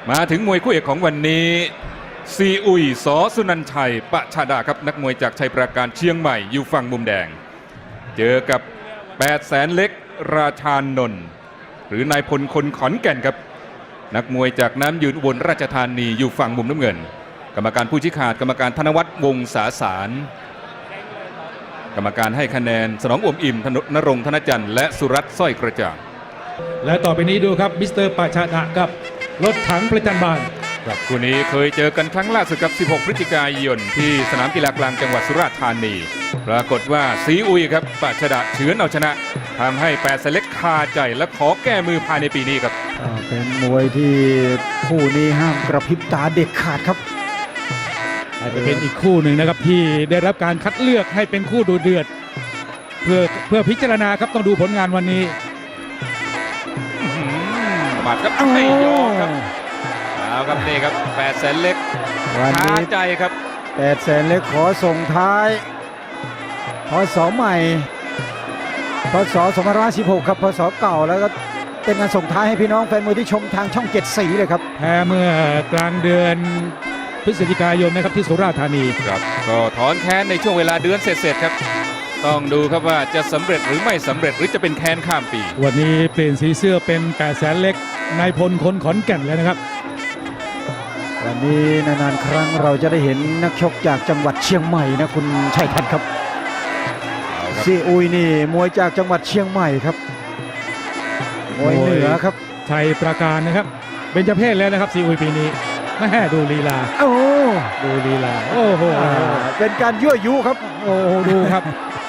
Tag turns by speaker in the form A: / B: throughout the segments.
A: มาถึงมวยคู่เอกของวันนี้ซีอุยสอสุนันชัยปะชาดาครับนักมวยจากชัยปราการเชียงใหม่อยู่ฝั่งมุมแดงเจอกับ8 แสนเล็กราชานนท์หรือนายพลคนขอนแก่นครับนักมวยจากน้ำยืนอุบลราชธานีอยู่ฝั่งมุมน้ำเงินกรรมการผู้ชี้ขาดกรรมการธนวัฒน์วงศาสารกรรมการให้คะแนนสนองอมอิ่มนรงค์ธนจันทร์และสุรัตน์สร้อยกระจ่าง
B: และต่อไปนี้ดูครับมิสเตอร์ปะชาดะกับรถถังประจันบาน
A: ครับคู่นี้เคยเจอกันครั้งล่าสุดกับ16 พฤศจิกายนที่สนามกีฬากลางจังหวัดสุราษฎร์ธานีปรากฏว่าซีอุยครับปะชาดะเฉือนเอาชนะทำให้8 แสนเล็กคาใจและขอแก้มือภายในปีนี้ครับ
C: เป็นมวยที่คู่นี้ห้ามกระพริบตาเด็ดขาดครับ
B: อาจจะเป็นอีกคู่หนึ่งนะครับที่ได้รับการคัดเลือกให้เป็นคู่ดูเดือดเพื่อพิจารณาครับต้องดูผลงานวันนี้
A: หมัดครับไม่ยอมครับเอาครับนี่ครับ8 แสนเล็กคาใจครับ
C: 8 แสนเล็กขอส่งท้ายพศใหม่พศ2516ครับพศเก่าแล้วก็เป็นการส่งท้ายให้พี่น้องแฟนมวยที่ชมทางช่อง7 สีเลยครับ
B: แพ้เมื่อกลางเดือนพฤศจิกายนนะครับที่สุราษฎร์ธานี
A: ครับก็ถอนแค้นในช่วงเวลาเดือนเสร็จครับต้องดูครับว่าจะสำเร็จหรือไม่สำเร็จหรือจะเป็นแค้นข้ามปี
B: วันนี้เปลี่ยนสีเสื้อเป็น8 แสนเล็กนายพลคนขอนแก่นแล้วนะครับ
C: วันนี้นานๆครั้งเราจะได้เห็นนักชกจากจังหวัดเชียงใหม่นะคุณชัยทัศน์ครับซีอุยนี่มวยจากจังหวัดเชียงใหม่ครับมวยเหนือครับ
B: ชัยปราการนะครับเบญจเพศแล้วนะครับซีอุยปีนี้แม่ดูลีลา
C: โอ้
B: ดูลีลาโอ้โห
C: เป็นการยั่วยุครับ
B: โอ้โหดูครับ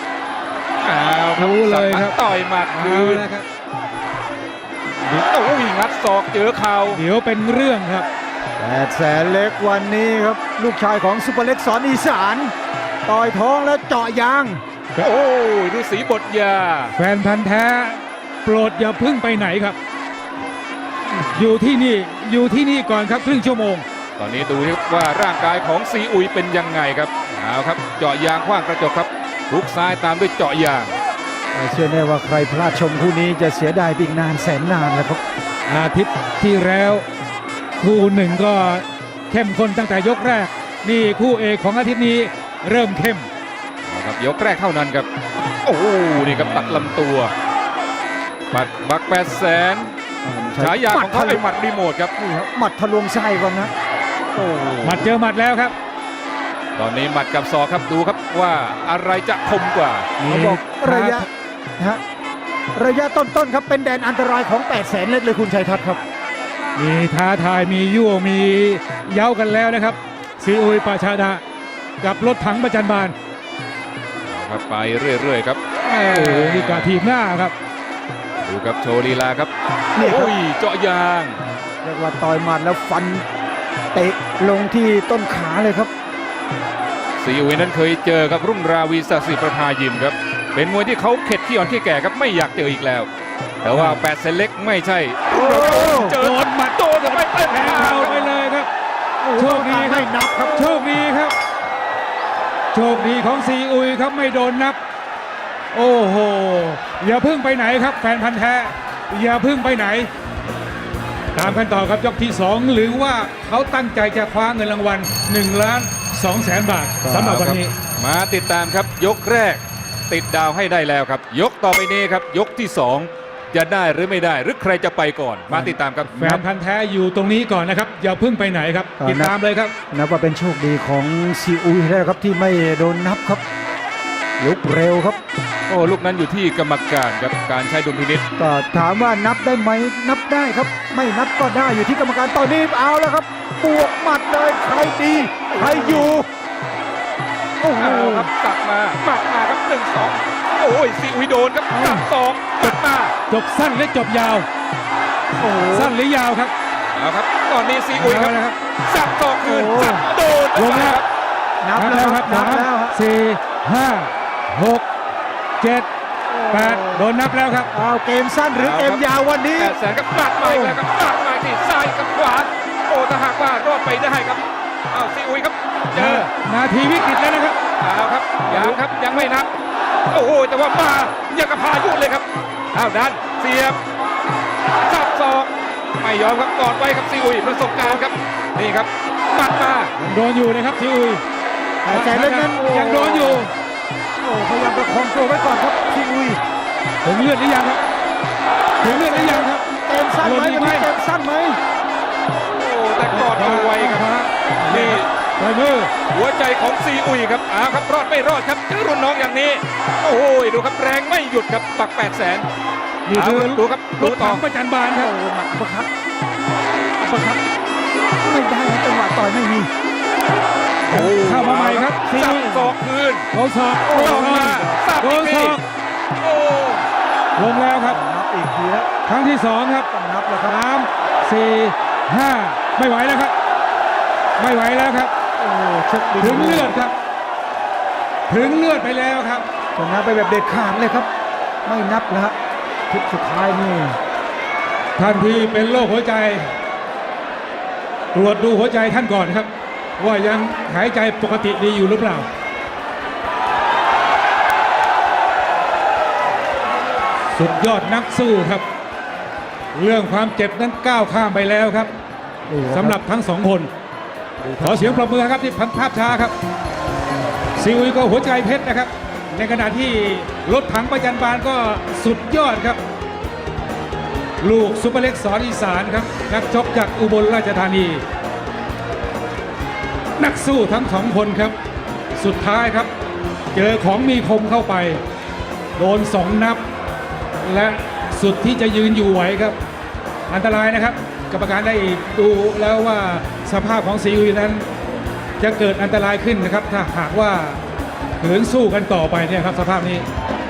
A: รู้เลยครับต่อยหมัดคืนนะครับโอ้ยงัดศอกเจอเข่า
B: เดี๋ยวเป็นเรื่องครับ
C: 8 แสนเล็กวันนี้ครับลูกชายของซุปเปอร์เล็กสอนอีสานต่อยท้องแล้วเจาะยาง
A: โอ้ยฤาษีบทยา
B: แฟนพันธ์แท้โปรดอย่าพึ่งไปไหนครับอยู่ที่นี่ก่อนครับครึ่งชั่วโมง
A: ตอนนี้ดูว่าร่างกายของซีอุยเป็นยังไงครับเอาครับเจาะยางขว้างกระจกครับลุกซ้ายตามด้วยเจาะยาง
C: เชื่อแน่ว่าใครพลาดชมคู่นี้จะเสียดายอีกนานแสนนานแล้วครับ
B: อาทิตย์ที่แล้วคู่หนึ่งก็เข้มข้นตั้งแต่ยกแรกนี่คู่เอกของอาทิตย์นี้เริ่มเข้ม
A: ครับยกแรกเท่านั้นครับโอ้นี่ครับตัดลำตัวปัดบัก8 แสนฉายาของเขาเป็นหมัดรีโมทครับ
C: นี่ครับหมัดทะลวงไส้ก่อนนะ
B: โอ้หมัดเจอหมัดแล้วครับ
A: ตอนนี้หมัดกับศอกครับดูครับว่าอะไรจะคมกว่า
C: เขาบอกระยะต้นๆครับเป็นแดนอันตรายของ8 แสนเล็กเลยคุณชัยทัศน์ครับ
B: มีท้าทายมียั่วมีเย้ากันแล้วนะครับซีอุยปะชาดะกับรถถังประจันบาน
A: ครับไปเรื่อยๆครับ
B: โอ้มีการทีมหน้าครับ
A: ดูครับโชว์ลีลาครับโอ้ยเจาะยาง
C: เรียกว่าต่อยหมัดแล้วฟันเตะลงที่ต้นขาเลยครับ
A: ซีอุยนั้นเคยเจอกับรุ่งราวีศักดิ์ศรีประภายิมครับเป็นมวยที่เขาเข็ดขี้อ่อนขี้แก่ครับไม่อยากเจออีกแล้วแต่ว่า8 เซนเล็กไม่ใช่
B: เจอโดนหมัดโดนไปแพ้เอาไปเลยครับโชคดีให้นับครับโชคดีครับโชคดีของซีอุยครับไม่โดนนับโอ้โหอย่าพึ่งไปไหนครับแฟนพันธ์แท้อย่าพึ่งไปไหนตามกันต่อครับยกที่2หรือว่าเขาตั้งใจจะคว้าเงินรางวัล1,200,000 บาทสำหรับวันนี้
A: มาติดตามครับยกแรกติดดาวให้ได้แล้วครับยกต่อไปนี้ครับยกที่2จะได้หรือไม่ได้หรือใครจะไปก่อนมาติดตามครับ
B: แฟนพันธ์แท้อยู่ตรงนี้ก่อนนะครับอย่าพึ่งไปไหนครับติดตามเลยครับ
C: นับว่าเป็นโชคดีของซีอุยแล้วครับที่ไม่โดนนับครับลุกเร็วครับ
A: โอ้ลูกนั้นอยู่ที่กรรมการครับการใช้ดุลพินิจ
C: ก็ถามว่านับได้ไหมนับได้ครับไม่นับก็ได้อยู่ที่กรรมการตอนนี้เอาแล้วครับบวกหมัดเลยใครดีใครอยู่
A: โอ้โหครับตัดมาหมัดมาครับ1-2โอ้ยซีอุยโดนครับ2ตัดมา
B: จบสั้นหรือจบยาวโอ้สั้นหรือยาวครับ
A: เอาครับตอนนี้ซีอุยครับสับต่อคืนสับโดน
B: ลงแล้วนับแล้วครับ3 4 5 6 7 8โดนนับแล้วครับ
C: เอาเกมสั้นหรือเกมยาววันนี้
A: 8 แสนกับปัดมาอีกแล้วครับปัดมาที่ซ้ายกับขวาโอ้ถ้าหากว่ารอดไปได้ครับเอาซีอุยครับเจอ
B: นาทีวิกฤตแล้วนะครับ
A: เอาครับยังไม่นับโอ้โหแต่ว่ามาอย่างกับพายุเลยครับเอาดันเสียบสับศอกไปไม่ยอมครับกอดไว้ครับซีอุยประสบการณ์ครับนี่ครับหมัดมา
B: ยังโดนอยู่นะครับซีอุย
C: แต่ใจเล็กนั้น
B: ยังโดนอยู่
C: โอ้พยายามประคองตัวไว้ก่อนครับซีอุย
B: ถึงเลือดหรือยังครับถึงเลือดหรือยังครับ
C: เกมสั้นไหม
B: หล่นอีกไหม
C: เกมสั้นไหม
A: โอ้แต่กอดเอาไว้ครับนี่
B: ปล่อยมือ
A: หัวใจของซีอุยครับอ้าวครับรอดไม่รอดครับเจอรุ่นน้องอย่างนี้โอ้โหดูครับแรงไม่หยุดครับปัก 800,000
B: นี่คือ
A: ดูครับ
B: ร
A: ดู
B: ถ
A: ต่อ
B: ถังประจันบานครับ
C: โอ้หมัดอัปเปอร์คัตอัปเปอร์คัตไม่ได้นะจังหวะต่อยไม่มี
A: โอ้
B: เข้ามาใหม่ครับซี
A: สับ
B: อุย
A: ศอกคืน
B: โดนศอก
A: โอ้ลงมาสับ
B: โด
A: อี
B: น
A: ก
B: ศ
A: ที
B: อก
A: โอ้
B: ลงแล้วครับ
C: นับอีกทีแล้ว
B: ครั้งที่สองครับ
C: ต้องนับแล้วครับ
B: 3 4 5 ไม่ไหวแล้วครับ ไม่ไหวแล้วครับ
C: โอ้ชกดี
B: ถึงเลือดครับ ถึงเลือดไปแล้วครับ
C: ชนะไปแบบเด็ดขาดเลยครับ ไม่นับแล้วฮะทิศสุดท้ายนี่
B: ท่านที่เป็นโรคหัวใจ ตรวจดูหัวใจท่านก่อนครับ ว่ายังหายใจปกติดีอยู่หรือเปล่า สุดยอดนักสู้ครับ เรื่องความเจ็บนั้นก้าวข้ามไปแล้วครับสำหรับทั้งสองคน ขอเสียงปรบมือครับที่พันภาพช้าครับซีอุยก็หัวใจเพชรนะครับ ในขณะที่รถถังประจันบานก็สุดยอดครับ ลูกซุปเปอร์เล็กสอนอีสานครับ นักชกจากอุบลราชธานี นักสู้ทั้งสองคนครับ สุดท้ายครับ เจอของมีคมเข้าไป โดน2 นับ และสุดที่จะยืนอยู่ไหวครับ อันตรายนะครับ กรรมการได้ดูแล้วว่าสภาพของซีอุยนั้น จะเกิดอันตรายขึ้นนะครับ ถ้าหากว่าขืนสู้กันต่อไปเนี่ยครับ สภาพนี้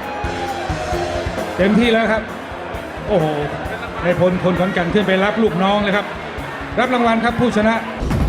B: เต็มที่แล้วครับ โอ้โหในพลคนขอนแก่นขึ้นไปรับลูกน้องเลยครับ รับรางวัลครับผู้ชนะ